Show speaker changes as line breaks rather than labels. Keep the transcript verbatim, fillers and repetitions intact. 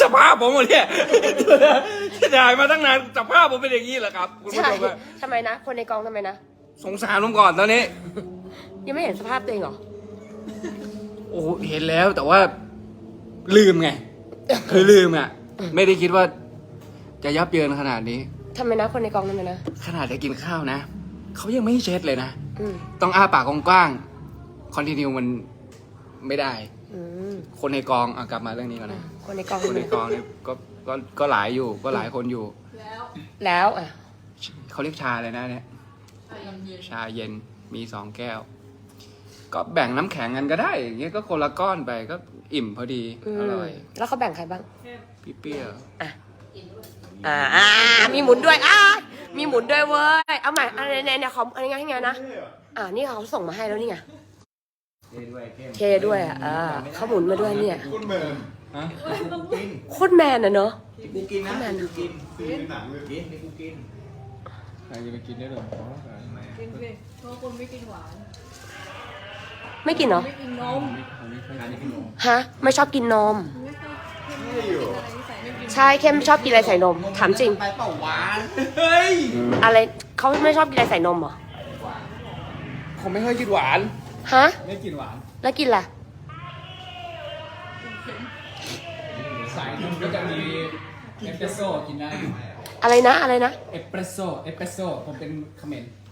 สภาพผมหมดเนี่ยที่ถ่ายมาตั้งนานสภาพผมเป็นอย่างนี้เหรอครับคุณผู้
ใช่
ชมอะ
ทำไมนะ คนในกองทำไมนะ
สงสารผมก่อนตอนนี้
ยังไม่เห็นสภาพตัวเองเหรอ
โอ้เห็นแล้วแต่ว่าลืมไง คือลืมอ่ะ ไม่ได้คิดว่า จะยับเยินขนาดนี้
ทำไมนะ คนในกองทำไมนะ
ขนาดได้กินข้าวนะเขายังไม่ให้เช็ดเลยนะ
อืม
ต้องอ้าปากกว้างๆคอนติเนียมันไม่ได้
อืม
คนในกองอ่ะกลับมาเรื่องนี้ก่อนนะ
คนในกอง
คนในกองเนี่ยก็ก็ก็หลายอยู่ ก็หลายคนอยู่
แล้วอ่ะ
เขาเรียกชาเลยนะเนี่ยชาเย็นมีสองแก้ว ก็แบ่งน้ำแข็งกันก็ได้อย่างเงี้ยก็คนละก้อนไปก็อิ่มพอดี
อื
อ
ม
ร่อย
แล้วเขาแบ่งใครบ้าง
พี่เปรี้ยว
อ่ะ อ่าอ่ามีหมุนด้วยอ่ามีหมุนด้วยเว้ย เอาใหม่อะไรเนี่ยเนี่ยเขาอะไรไงให้ไงนะ อ่านี่เขาส่งมาให้แล้วนี่ไง เทด้วยอ่ะอ่าเขาหมุนมาด้วยเนี่ย
คุณเบิร์น
ฮะ
โคตรแมนอ่ะเนอะ
กูกินนะกูกินซื้อในหนังเลยกินนี่กูกิน
ใครจะไปกินได้หรอ
กินสิเพราะคนไม่กินหวาน
ไม่กินเหรอ
ไม่กินนม
ฮะ ไม่ชอบกินนม
ไม่ชอบเข้มไม่กินอะไรที่ใส่ไม่กิน
ใช่เข้มชอบกินอะไรใส่นม ถามจริง
ไปเปล่าหวานเฮ้ย
อะไรเขาไม่ชอบกินอะไรใส่นมเหรอ
ผมไม่ค่อยกินหวาน
ฮะ
ไม่กินหวาน
แล้วกินอะไร
สายนุ่มก็จะมีเอสเปรสโซ่กินได้
อะไรนะ อะไรนะ
เอสเปรสโซ่เอสเปรสโซ่ผมเป็นเขมร